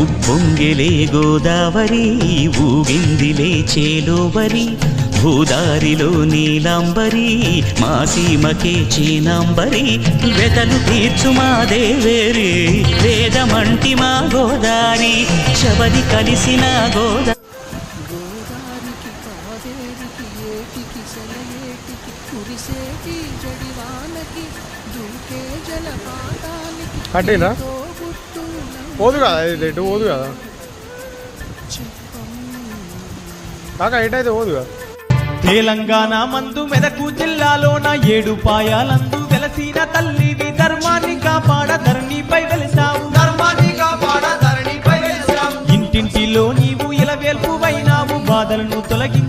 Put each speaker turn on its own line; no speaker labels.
ఉప్పొంగిలే గోదావరి ఊగిందిలే చేలోవరి భూదారిలో నీలాంబరి మా సీమకే చీనాంబరి వెతలు తీర్చు మా దేవేరి వేదమంటి మా గోదారి శబరి కలిసిన గోదారి
కట్టేనా పోదు కదా ఇది రెడ్డు పోదు కదా కాక ఎటైతే పోదు కదా.
తెలంగాణ మందు మెదకు జిల్లాలోన 7 పాయాలందు వెలసిన తల్లివి ధర్మాన్ని కాపాడ ధరణిపై వెలిసావు ఇంటింటిలో నీవు ఇలవేల్పువైనావు బాధలను తొలగి